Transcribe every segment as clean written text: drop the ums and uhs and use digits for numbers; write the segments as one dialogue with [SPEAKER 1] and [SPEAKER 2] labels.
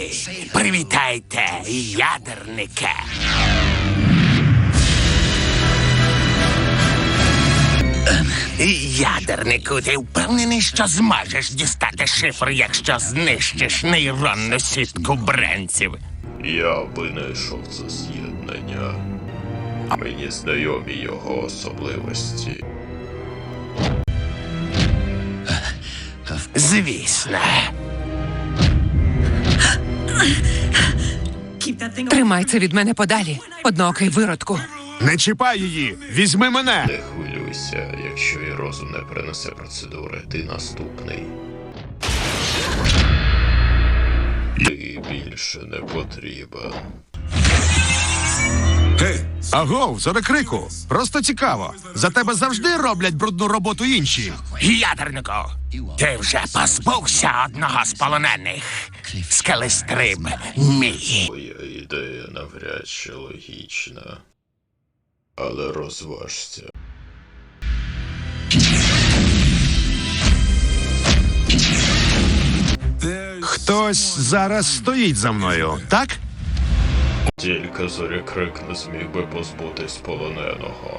[SPEAKER 1] Друзі, привітайте ядерника. Ядернику, ти впевнений, що зможеш дістати шифр, якщо знищиш нейронну сітку бранців?
[SPEAKER 2] Я винайшов це з'єднання. Мені знайомі його особливості.
[SPEAKER 1] Звісно.
[SPEAKER 3] Тримай це від мене подалі, одноокий виродку.
[SPEAKER 4] Не чіпай її! Візьми мене!
[SPEAKER 2] Не хвилюйся, якщо і розум не принесе процедури, ти наступний. Ти більше не потрібен.
[SPEAKER 4] Агов, зорекрику! Просто цікаво. За тебе завжди роблять брудну роботу інші.
[SPEAKER 1] Ядернику, ти вже позбувся одного з полонених. Скелестриб мій.
[SPEAKER 2] Твоя ідея навряд чи логічна. Але розважся.
[SPEAKER 4] Хтось зараз стоїть за мною, так?
[SPEAKER 2] Тільки Зорекрик не зміг би позбутись полоненого.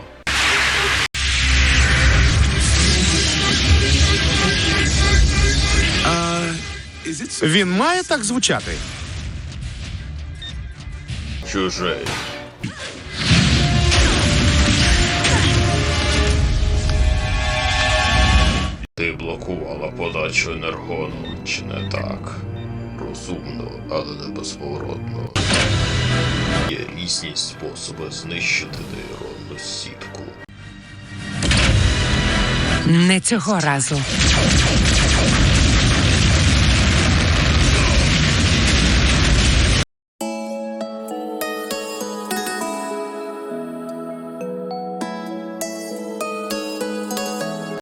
[SPEAKER 4] Він має так звучати?
[SPEAKER 2] Чужий. Ти блокувала подачу енергону, чи не так? Розумно, але не безповоротно. Є різні способи знищити нейронну сітку.
[SPEAKER 3] Не цього разу.